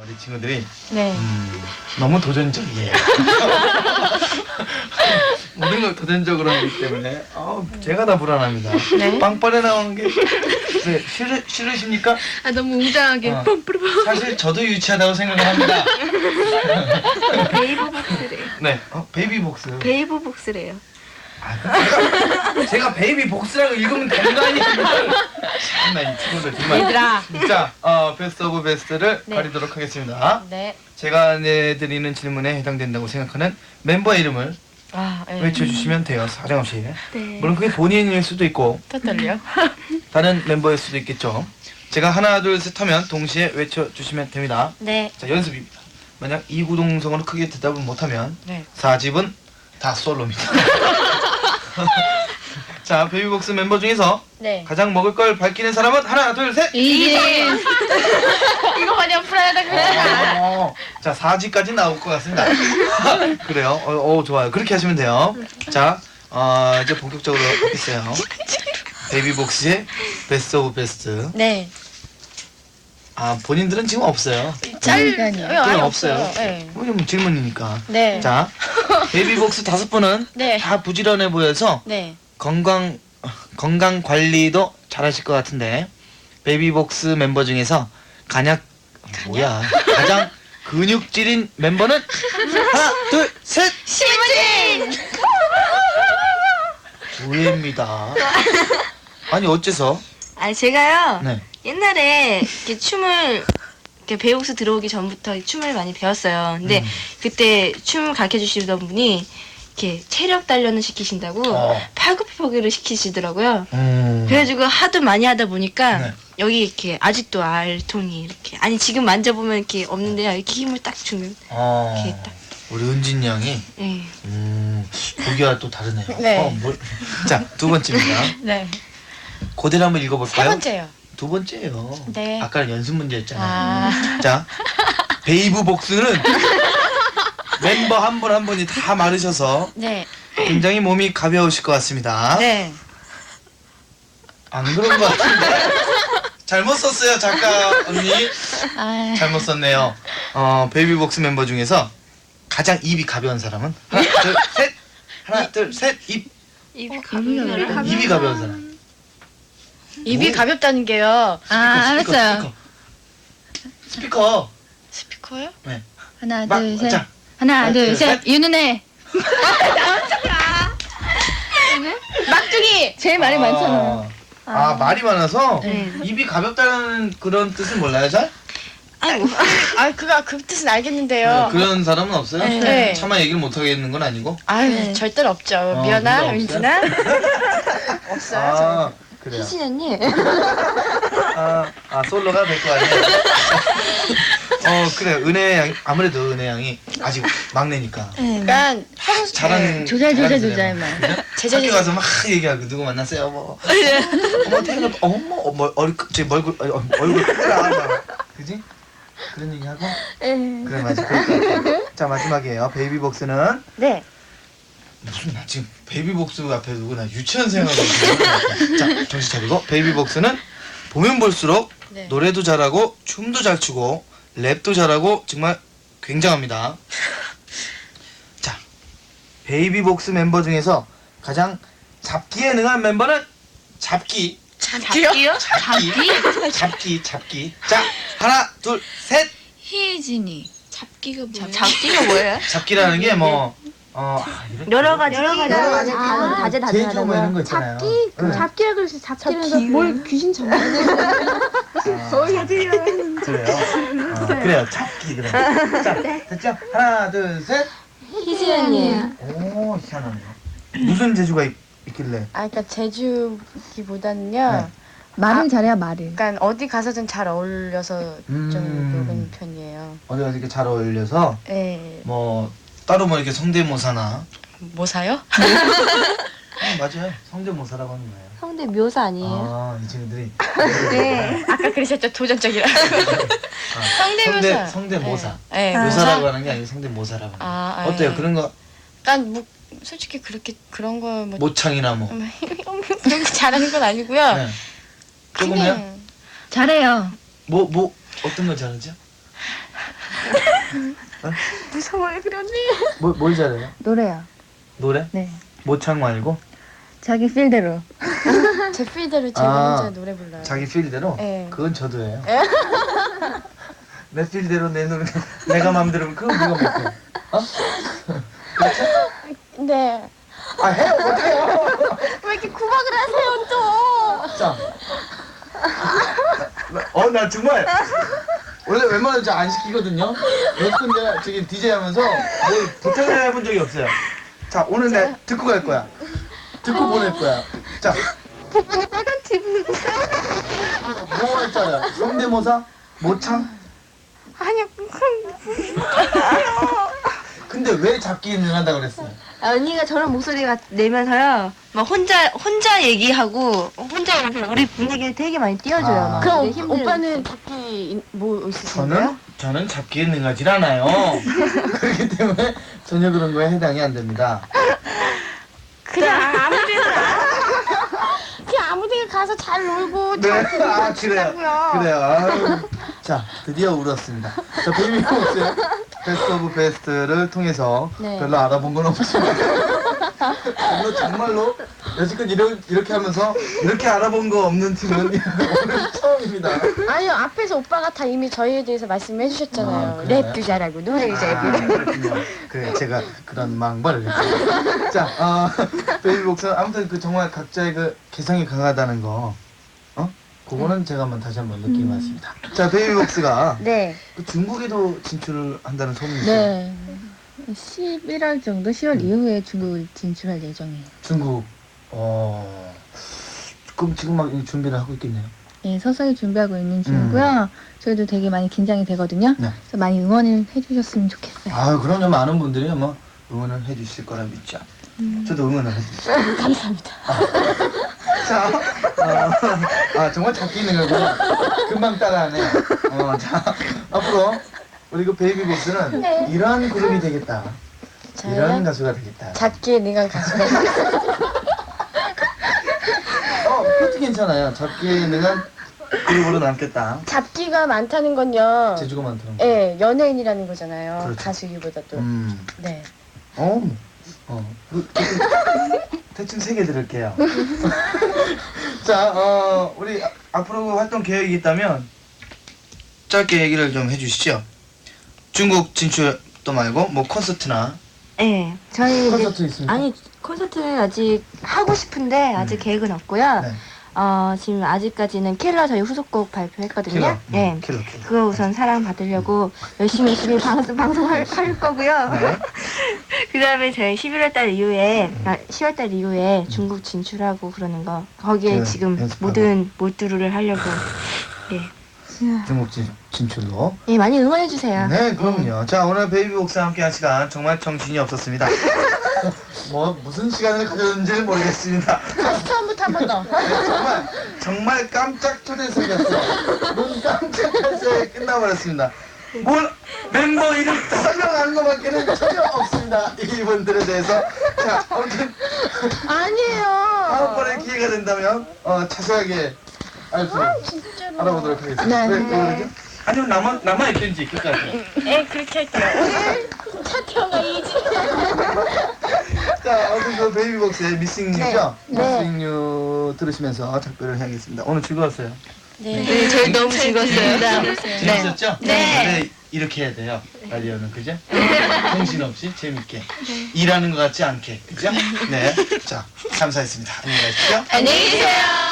우리 친구들이 네. 너무 도전적이에요. 모든 걸 도전적으로 하기 때문에 제가 다 불안합니다. 네. 빵빠레 나오는 게 싫으십니까? 아 너무 웅장하게 어. 뿜뿌르. 사실 저도 유치하다고 생각을 합니다. 베이브복스래요. 네, 베이비복스. 베이브복스래요. 제가 베이비복스라고 읽으면 되는 거 아니에요? 참나 이 친구들 정말. 얘들아. 자, 베스트 오브 베스트를 네. 가리도록 하겠습니다. 네. 제가 내드리는 질문에 해당된다고 생각하는 멤버 이름을 아, 네. 외쳐주시면 돼요, 사정없이. 네. 물론 그게 본인일 수도 있고 또 떨려. 다른 멤버일 수도 있겠죠. 제가 하나 둘 셋 하면 동시에 외쳐주시면 됩니다. 네. 자, 연습입니다. 만약 이구동성으로 크게 대답을 못하면 네. 4집은 다 솔로입니다. 자, 베이비복스 멤버 중에서 네. 가장 먹을 걸 밝히는 사람은 하나 둘 셋! 이지. 이거 마냥 불안하다 그랬잖아. 자, 4집까지 나올 것 같습니다. 그래요? 좋아요. 그렇게 하시면 돼요. 자, 이제 본격적으로 하겠어요. 베이비복스의 베스트 오브 베스트. 네. 본인들은 지금 없어요. 아예 없어요. 네. 왜냐면 질문이니까. 네. 자, 베이비복스 5분은 네. 다 부지런해 보여서 네. 건강 관리도 잘하실 것 같은데 베이비복스 멤버 중에서 가장 근육질인 멤버는 하나 둘 셋. 시무진. 우예입니다. 아니 어째서? 아니 제가요. 네. 옛날에 이렇게 춤을 이렇게 베이복스 들어오기 전부터 춤을 많이 배웠어요. 근데 그때 춤 가르쳐 주시던 분이 이렇게 체력 단련을 시키신다고 팔굽혀펴기를 시키시더라고요. 그래가지고 하도 많이 하다 보니까 네. 여기 이렇게 아직도 알통이 이렇게 지금 만져보면 이렇게 없는데요. 이렇게 힘을 딱 주면 이렇게 딱. 우리 은진 양이 예. 보기와 또 다르네요. 네. 자, 두 번째입니다. 네. 그대로 한번 세 읽어볼까요? 번째요. 두 번째예요. 네. 아까는 연습 문제였잖아요. 아. 자, 베이브복스는 멤버 한 분 한 분이 다 마르셔서 네. 굉장히 몸이 가벼우실 것 같습니다. 네. 안 그런 것 같은데? 잘못 썼어요, 작가 언니. 아. 잘못 썼네요. 베이비복스 멤버 중에서 가장 입이 가벼운 사람은 하나, 둘, 셋. 하나, 둘, 셋. 입이 가벼운 사람. 입이 가벼운 사람. 입이 뭐? 가볍다는 게요. 스피커. 스피커. 스피커요? 네. 하나 막, 둘 셋. 자, 하나 둘 셋. 윤은혜. 막둥이. 제일 말이 많잖아요. 말이 많아서 네. 입이 가볍다는 그런 뜻은 몰라요, 잘? 아이고. 그 뜻은 알겠는데요. 그런 사람은 없어요? 네. 차마 얘기를 못 하겠는 건 아니고? 아유, 네. 절대로 없죠. 진짜 미연아, 없어요? 민진아. 없어요. 그래요. 희진 언니. 솔로가 될 거 아니에요? 그래요. 은혜 양, 아무래도 은혜 양이 아직 막내니까. 그러니까 평소 잘하는 조잘만. 제자리 학교 가서 막 얘기하고 누구 만났어요? 뭐. 어머 태어나 얼굴 크더라. 그지? 그런 얘기하고. 그래 맞아. 그럴 것 같아. 자 마지막이에요. 베이비복스는 네. 무슨 나 지금 베이비복스 앞에 두고 나 유치원 생활하고 있는 자 정신 차리고 베이비복스는 보면 볼수록 네. 노래도 잘하고 춤도 잘 추고 랩도 잘하고 정말 굉장합니다. 자 베이비복스 멤버 중에서 가장 잡기에 능한 멤버는 잡기. 잡기요? 잡기. 자 하나 둘 셋. 희진이. 잡기가 뭐예요? 잡기가 뭐예요? 잡기라는 게 뭐 여러 가지 제일 좋은 거 이런 거 있잖아요. 잡기라 그러시 잡기라는 뭘 귀신 잡나? 그래요. 그래요. 잡기 그래. 자, 됐죠? 하나, 둘, 셋. 희진 언니예요. 오, 희한하네요. 무슨 재주가 있길래? 그러니까 제주기보다는요. 네. 말을 잘해야 말을. 그러니까 어디 가서든 잘 어울려서 좀 그런 편이에요. 어디가 이렇게 잘 어울려서 네. 뭐 따로 뭐 이렇게 성대모사나 뭐 사요? 맞아요. 성대모사라고 하는 거예요. 성대 묘사 아니에요? 이 친구들이 네. 아까 그러셨죠. 도전적이라. 성대묘사. 성대모사. 네. 묘사라고 하는 게 아니고 성대모사라고 하는 거예요. 어때요? 네. 그런 거 그러니까 뭐 솔직히 그런 거 뭐 모창이나 뭐. 그런 거 잘하는 건 아니고요. 네. 조금요? 그냥 잘해요. 뭐 어떤 걸 잘하죠? 무서워요, 그러니. 뭘 잘해요? 노래요. 노래? 네. 모창 말고? 자기 필대로. 제 필대로 제가 아, 혼자 노래 불러요. 자기 필대로? 네. 그건 저도 해요. 내 필대로 내 노래 내가 마음대로 하면 그건 누가 못해? 어? 그렇죠? 네. 아 해요 못해요. 왜 이렇게 구박을 하세요 또? 자. 나 정말 원래 웬만하면 잘 안 시키거든요. 몇번 제가 저기 DJ 하면서 뭘 부탁을 해본 적이 없어요. 자 오늘 내 듣고 갈 거야. 듣고 보낼 거야. 자. 빨간 TV. 뭐 했잖아요. 성대모사? 모창? 아니요. 근데 왜 잡기 능한다고 그랬어요? 언니가 저런 목소리가 내면서요. 막 혼자 얘기하고 혼자 이렇게 우리 분위기를 되게 많이 띄워줘요. 아. 막. 그럼 되게 힘들어요. 오빠는 잡기 뭐 있으신가요? 저는 잡기에 능하질 않아요. 그렇기 때문에 전혀 그런 거에 해당이 안 됩니다. 그냥 아무데나 그냥 아무데나 가서 잘 놀고 네, 잘 아 그래요. 그래요. 아유. 자, 드디어 울었습니다. 자, 베이비복스의 베스트 오브 베스트를 통해서 네. 별로 알아본 건 없지만 정말로 여지껏 이렇게 하면서 이렇게 알아본 거 없는 팀은 오늘 처음입니다. 아니요 앞에서 오빠가 다 이미 저희에 대해서 말씀해 주셨잖아요. 아, 그래요? 랩도 잘하고 노래도 잘하고. 그렇군요. 그래, 제가 그런 망발을 했어요. 자, 베이비복스 아무튼 그 정말 각자의 그 개성이 강하다는 거, 그거는 제가 다시 한번 느끼고 왔습니다. 자, 베이비복스가 네. 그 중국에도 진출을 한다는 소문이 있어요. 네. 11월 정도, 10월 이후에 중국을 진출할 예정이에요. 중국, 그럼 지금 막 준비를 하고 있겠네요. 예, 서서히 준비하고 있는 중이고요. 저희도 되게 많이 긴장이 되거든요. 네. 그래서 많이 응원을 해주셨으면 좋겠어요. 아, 그럼요. 많은 분들이 아마 응원을 해주실 거라 믿죠. 저도 응원을 해주세요. 감사합니다. 자, 정말 잡기 능하구나. 금방 따라하네. 자, 앞으로 우리 그 베이비복스는 이러한 그룹이 되겠다. 이러한 가수가 되겠다. 잡기에 능한 가수가 그것도 괜찮아요. 잡기에 능한 그룹으로 남겠다. 잡기가 많다는 건요. 재주가 많더라고요. 예, 연예인이라는 거잖아요. 그렇죠. 가수기보다도. 네. 대충 3개 들을게요. 자, 우리 앞으로 활동 계획이 있다면 짧게 얘기를 좀 해주시죠. 중국 진출도 말고 뭐 콘서트나 네, 저희 콘서트 있습니까? 아니 콘서트는 아직 하고 싶은데 아직 계획은 없고요. 네. 지금 아직까지는 킬러 저희 후속곡 발표했거든요. 킬러. 네. 킬러. 그거 우선 사랑 받으려고 열심히 방송할 거고요. 네. 그다음에 저희 11월달 이후에 10월달 이후에 중국 진출하고 그러는 거 거기에 그 지금 연습하고. 모든 몰두를 하려고. 네. 중국 진출로. 예, 많이 응원해 주세요. 네, 그럼요. 자, 오늘 베이비복스와 함께한 시간 정말 정신이 없었습니다. 뭐 무슨 시간을 가졌는지는 모르겠습니다. 처음부터 한 번 더. 정말 깜짝 초대석이었어요. 눈 깜짝할 새 끝나버렸습니다. 멤버 이름 설명하는 것밖에는 전혀 없습니다. 이분들에 대해서. 자, 아무튼 아니에요. 다음번에 기회가 된다면 자세하게 진짜로. 알아보도록 하겠습니다. 네. 왜 그러죠? 아니면 남아있든지 끝까지. 예, 그렇게 할게요. 차태현가 이지. 자, 아무튼 그 베이비복스의 미싱유죠? 네. 미싱유 들으시면서 작별을 해야겠습니다. 오늘 즐거웠어요. 네, 저희 너무 즐거웠어요. 재밌었죠? 네. 원래 이렇게 해야 돼요. 라디오는 그죠? 정신없이 재밌게 일하는 것 같지 않게 그죠? 네. 자, 감사했습니다. 안녕히 가십시오. 안녕히 계세요.